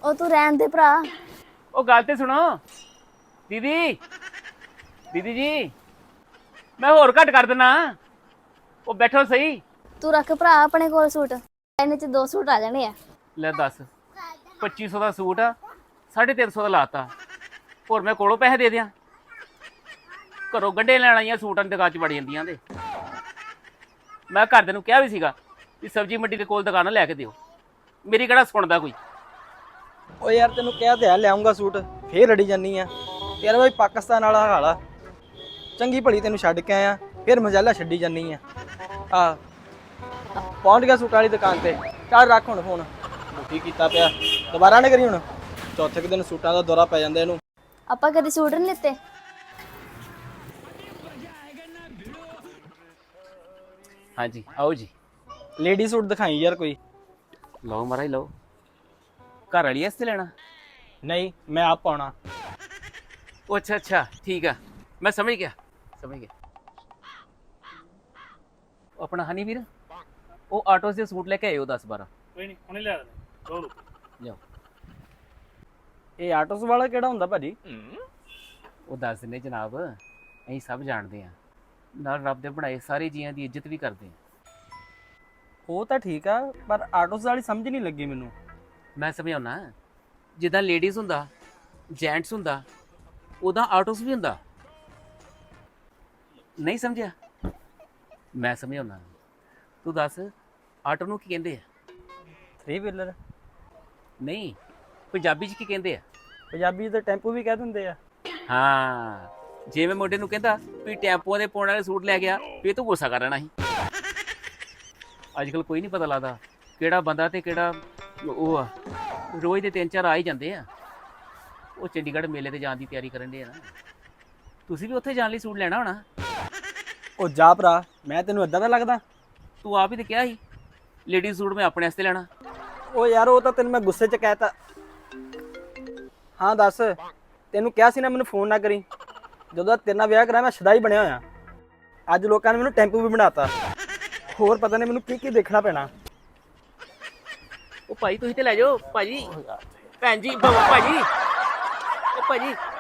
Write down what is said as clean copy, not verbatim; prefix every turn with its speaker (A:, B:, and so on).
A: ਉਹ ਤੂੰ ਰਹਿਣ ਦੇ ਭਰਾ।
B: ਉਹ ਗੱਲ ਤੇ ਸੁਣੋ ਦੀਦੀ। ਦੀਦੀ ਜੀ ਮੈਂ ਹੋਰ ਘੱਟ ਕਰ ਦਿੰਨਾ। ਉਹ ਬੈਠੋ ਸਹੀ।
A: ਤੂੰ ਰੱਖ ਭਰਾ ਆਪਣੇ ਕੋਲ ਸੂਟ, ਇਹਨੇ ਚ 2 ਸੂਟ ਆ ਜਾਣੇ ਆ।
B: ਲੈ ਦੱਸ 2500 ਦਾ ਸੂਟ ਆ, 350 ਦਾ ਲਾਤਾ। ਹੋਰ ਮੈਂ ਕੋਲੋਂ ਪੈਸੇ ਦੇ ਦਿਆਂ? ਘਰੋਂ ਗੰਢੇ ਲੈਣ ਆਈਆਂ ਸੂਟਾਂ ਦੀ ਦੁਕਾਨ 'ਚ ਵੜ ਜਾਂਦੀਆਂ ਤੇ ਮੈਂ ਘਰਦਿਆਂ ਨੂੰ ਕਿਹਾ ਵੀ ਸੀਗਾ ਵੀ ਸਬਜ਼ੀ ਮੰਡੀ ਦੇ ਕੋਲ ਦੁਕਾਨ ਲੈ ਕੇ ਦਿਓ, ਮੇਰੀ ਕਿਹੜਾ ਸੁਣਦਾ ਕੋਈ।
C: ਓ ਯਾਰ ਤੈਨੂੰ ਕਿਹਾ ਤੇ ਹੈ ਲਿਆਉਂਗਾ ਸੂਟ, ਫੇਰ ਰੜੀ ਜਾਨੀ ਆ। ਯਾਰ ਬਈ ਪਾਕਿਸਤਾਨ ਵਾਲਾ ਹਾਲ ਆ। ਚੰਗੀ ਭਲੀ ਤੈਨੂੰ ਛੱਡ ਕੇ ਆਇਆ, ਫਿਰ ਮਜਾਲਾ ਛੱਡੀ ਜਾਨੀ ਆ। ਪਹੁੰਚ ਗਿਆ ਸੂਟ ਵਾਲੀ ਦੁਕਾਨ ਤੇ। ਚੱਲ ਰੱਖ ਹੁਣ ਫੋਨ, ਦੁਖੀ ਕੀਤਾ ਪਿਆ। ਦੁਬਾਰਾ ਨਾ ਕਰੀ ਹੁਣ, ਚੌਥੇ ਕੁ ਦਿਨ ਸੂਟਾਂ ਦਾ ਦੌਰਾ ਪੈ ਜਾਂਦਾ ਇਹਨੂੰ।
A: ਆਪਾਂ ਕਦੀ ਸੂਟ ਨਹੀਂ ਲਿੱਤੇ।
B: ਹਾਂਜੀ ਆਓ ਜੀ।
C: ਲੇਡੀ ਸੂਟ ਦਿਖਾਈ ਯਾਰ ਕੋਈ।
B: ਲਓ ਮਹਾਰਾਜ ਲਓ। ਘਰ ਵਾਲੀ ਵਾਸਤੇ ਲੈਣਾ?
C: ਨਹੀਂ, ਮੈਂ ਆਪ ਪਾਉਣਾ।
B: ਉਹ ਅੱਛਾ ਅੱਛਾ ਠੀਕ ਆ, ਮੈਂ ਸਮਝ ਗਿਆ ਸਮਝ ਗਿਆ। ਉਹ ਆਪਣਾ ਹਨੀ ਵੀਰ, ਉਹ ਆਟੋ ਸੇ ਸੂਟ ਲੈ ਕੇ ਆਇਓ 10-12।
D: ਕੋਈ ਨਹੀਂ ਹੁਣੇ ਲਿਆ ਦਿੰਦੇ, ਰੋ
B: ਜਾਓ।
C: ਇਹ ਆਟੋਸ ਵਾਲਾ ਕਿਹੜਾ ਹੁੰਦਾ ਭਾਜੀ?
B: ਉਹ ਦੱਸ ਦਿੰਦੇ ਜਨਾਬ, ਅਸੀਂ ਸਭ ਜਾਣਦੇ ਹਾਂ, ਨਾਲ ਰੱਬ ਦੇ ਬਣਾਏ ਸਾਰੇ ਜੀਆਂ ਦੀ ਇੱਜ਼ਤ ਵੀ ਕਰਦੇ ਹਾਂ।
C: ਉਹ ਤਾਂ ਠੀਕ ਆ, ਪਰ ਆਟੋਸ ਵਾਲੀ ਸਮਝ ਨਹੀਂ ਲੱਗੀ ਮੈਨੂੰ।
B: ਮੈਂ ਸਮਝਾਉਣਾ, ਜਿੱਦਾਂ ਲੇਡੀਜ਼ ਹੁੰਦਾ, ਜੈਂਟਸ ਹੁੰਦਾ, ਉਹਦਾ ਆਟੋਸ ਵੀ ਹੁੰਦਾ। ਨਹੀਂ ਸਮਝਿਆ? ਮੈਂ ਸਮਝਾਉਣਾ। ਤੂੰ ਦੱਸ ਆਟੋ ਨੂੰ ਕੀ ਕਹਿੰਦੇ ਆ?
C: 3 ਵੀਲਰ।
B: ਨਹੀਂ, ਪੰਜਾਬੀ 'ਚ ਕੀ ਕਹਿੰਦੇ ਆ?
C: ਪੰਜਾਬੀ ਤੇ ਟੈਂਪੂ ਵੀ ਕਹਿ ਦਿੰਦੇ ਆ।
B: ਹਾਂ, ਜੇ ਮੈਂ ਮੁੰਡੇ ਨੂੰ ਕਹਿੰਦਾ ਵੀ ਟੈਂਪੂਆਂ ਦੇ ਪਾਉਣ ਵਾਲੇ ਸੂਟ ਲੈ ਗਿਆ, ਫੇਰ ਤੂੰ ਗੁੱਸਾ ਕਰ ਲੈਣਾ ਸੀ। ਅੱਜ ਕੱਲ ਕੋਈ ਨਹੀਂ ਪਤਾ ਲੱਗਦਾ ਕਿਹੜਾ ਬੰਦਾ ਤੇ ਕਿਹੜਾ ਉਹ ਆ। ਰੋਜ਼ ਦੇ 3-4 ਆ ਹੀ ਜਾਂਦੇ ਆ। ਉਹ ਚੰਡੀਗੜ੍ਹ ਮੇਲੇ ਤੇ ਜਾਣ ਦੀ ਤਿਆਰੀ ਕਰਨ ਦੇ ਆ ਨਾ। ਤੁਸੀਂ ਵੀ ਉੱਥੇ ਜਾਣ ਲਈ ਸੂਟ ਲੈਣਾ ਹੋਣਾ।
C: ਉਹ ਜਾ ਭਰਾ, ਮੈਂ ਤੈਨੂੰ ਏਦਾਂ ਦਾ ਲੱਗਦਾ?
B: ਤੂੰ ਆਪ ਹੀ ਤੇ ਕਿਹਾ ਸੀ ਲੇਡੀਜ਼ ਸੂਟ ਮੈਂ ਆਪਣੇ ਵਾਸਤੇ ਲੈਣਾ।
C: ਉਹ ਯਾਰ ਉਹ ਤਾਂ ਤੈਨੂੰ ਮੈਂ ਗੁੱਸੇ 'ਚ ਕਹਿਤਾ। ਹਾਂ ਦੱਸ, ਤੈਨੂੰ ਕਿਹਾ ਸੀ ਨਾ ਮੈਨੂੰ ਫੋਨ ਨਾ ਕਰੀ। ਜਦੋਂ ਤੇਰੇ ਨਾਲ ਵਿਆਹ ਕਰਾਇਆ ਮੈਂ ਸ਼ਦਾਈ ਬਣਿਆ ਹੋਇਆ। ਅੱਜ ਲੋਕਾਂ ਨੇ ਮੈਨੂੰ ਟੈਂਪੂ ਵੀ ਬਣਾਤਾ। ਹੋਰ ਪਤਾ ਨਹੀਂ ਮੈਨੂੰ ਕੀ ਕੀ ਦੇਖਣਾ ਪੈਣਾ।
B: ਉਹ ਭਾਈ ਤੁਸੀਂ ਤੇ ਲੈ ਜਾਓ ਭਾਜੀ। ਭੈਣ ਜੀ ਭਾਜੀ, ਉਹ ਭਾਜੀ